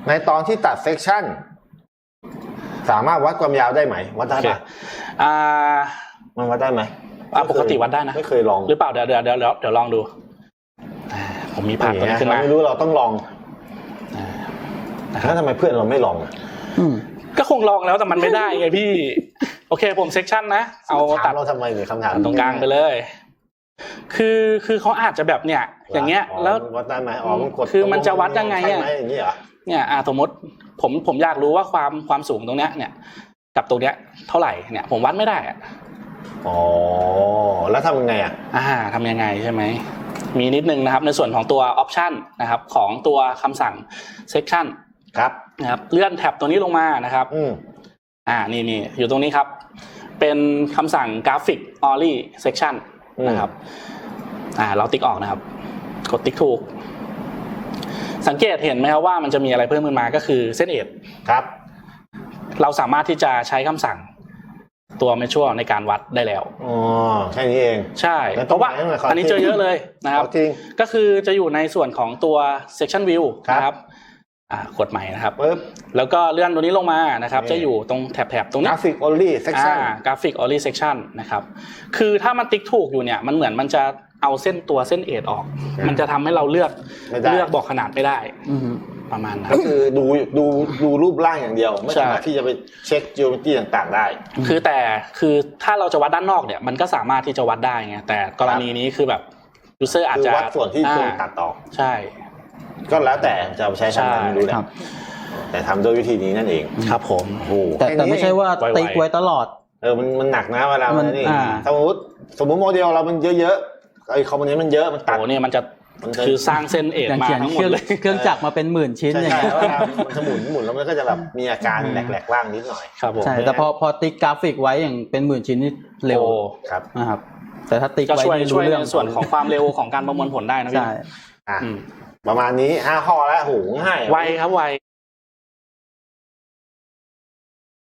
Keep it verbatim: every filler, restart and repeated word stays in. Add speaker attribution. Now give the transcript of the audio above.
Speaker 1: ในตอนที่ตัดเซกชันสามารถวัดความยาวได้ไหมวัดได้ปะ
Speaker 2: อ่า
Speaker 1: มันวัดได้ไหม
Speaker 2: อ่าปกติวัดได้นะ
Speaker 1: ไม่เคยลอง
Speaker 2: หรือเปล่าเดี๋ยวเดี๋ยวเดี๋ยวเดี๋ยวลองดูผมมีภาพตัวนี้ขึ้นมา
Speaker 1: ไม่รู้เราต้องลองแล้วทำไมเพื่อนเราไม่ลอง
Speaker 2: ก็คงลองแล้วแต่มันไม่ได้ไงพี่โอเคผมเซกชันนะเอาตัด
Speaker 1: เราทำไมเนี่ยคำถาม
Speaker 2: ตรงกลางไปเลยคือคือเขาอาจจะแบบเนี่ยอย่างเงี้ยแล้ว
Speaker 1: วัดได้ไหมอ๋อมันกด
Speaker 2: คือมันจะวัดยังไงอ่ะ
Speaker 1: อย่างนี้เหรอ
Speaker 2: เนี่ยอ่าสมมติผมผมอยากรู้ว่าความความสูงตรงเนี้ยเนี่ยกับตรงเนี้ยเท่าไหร่เนี่ยผมวัดไม่ได้อ่ะ
Speaker 1: อ๋อแล้วทำยังไงอ่ะ
Speaker 2: อ่าทำยังไงใช่ไหมมีนิดนึงนะครับในส่วนของตัว option นะครับของตัวคำสั่ง section
Speaker 1: ครับ
Speaker 2: นะครับเลื่อนแท็บตัวนี้ลงมานะครับ
Speaker 1: อืม
Speaker 2: อ่านี่นี่อยู่ตรงนี้ครับเป็นคำสั่ง graphic only section นะครับอ่าเราติ๊กออกนะครับกดติ๊กถูกสังเกตเห็นไหมครับว่ามันจะมีอะไรเพิ่มขึ้นมาก็คือเส้นเอจ
Speaker 1: ครับ
Speaker 2: เราสามารถที่จะใช้คำสั่งตัว measure ในการวัดได้แล้ว
Speaker 1: อ๋อแค่นี้เอง
Speaker 2: ใช่เพราะว่าอันนี้เจอเยอะเลยนะครับก็คือจะอยู่ในส่วนของตัว section view นะครับอ่ากดใหม่นะครับ
Speaker 1: ปึ๊บ
Speaker 2: แล้วก็เลื่อนตัวนี้ลงมานะครับจะอยู่ตรงแถบๆตรงนี้
Speaker 1: graphic only section
Speaker 2: อ่า graphic only section นะครับคือถ้ามันติ๊กถูกอยู่เนี่ยมันเหมือนมันจะเอาเส้นตัวเส้นเอจออกมันจะทำให้เราเลือกเลือกบอกขนาดไม่ได้ประมาณนั้น
Speaker 1: ก็คือดูดูดูรูปร่างอย่างเดียวไม่สามารถที่จะไปเช็ค geometry ต่างๆได้
Speaker 2: คือแต่คือถ้าเราจะวัดด้านนอกเนี่ยมันก็สามารถที่จะวัดได้ไงแต่กรณีนี้คือแบบ user อาจจะ
Speaker 1: วัดส่วนที่ควรตัดต่อ
Speaker 2: ใช่
Speaker 1: ก็แล้วแต่จะใช้ทำอะไรไม่รู้แหละแต่ทำโดยวิธีนี้นั่นเอง
Speaker 2: ครับผม
Speaker 3: แต่แต่ไม่ใช่ว่าติ๊กไว้ตลอด
Speaker 1: เออมันมันหนักนะเวลามันนี่สมมติสมมติโมเดลเรามันเยอะๆไอ้คอมโพเนนต์มันเยอะมันตัด
Speaker 2: โอ้เนี่ยมันจะคือสร้างเส้นเอจมาทั้งหมดเลย
Speaker 3: เครื่องจักรมาเป็นหมื่นชิ้นอย่างเงี้ย
Speaker 1: มันจะหมุนหมุนแล้วมันก็จะแบบมีอาการแหลกๆล่างนิดหน่อย
Speaker 2: ครับผม
Speaker 3: ใช่แต่พอพอติ๊กกราฟิกไว้อย่างเป็นหมื่นชิ้นนี่เร็ว
Speaker 1: ครับ
Speaker 3: นะครับแต่ถ้าติ๊กไว้
Speaker 2: ช่วยช่วยในส่วนของความเร็วของการประมวลผลได้นะพี่
Speaker 1: ประมาณนี้ห้าข้อแล้วโหง่าย
Speaker 2: ไวครับไว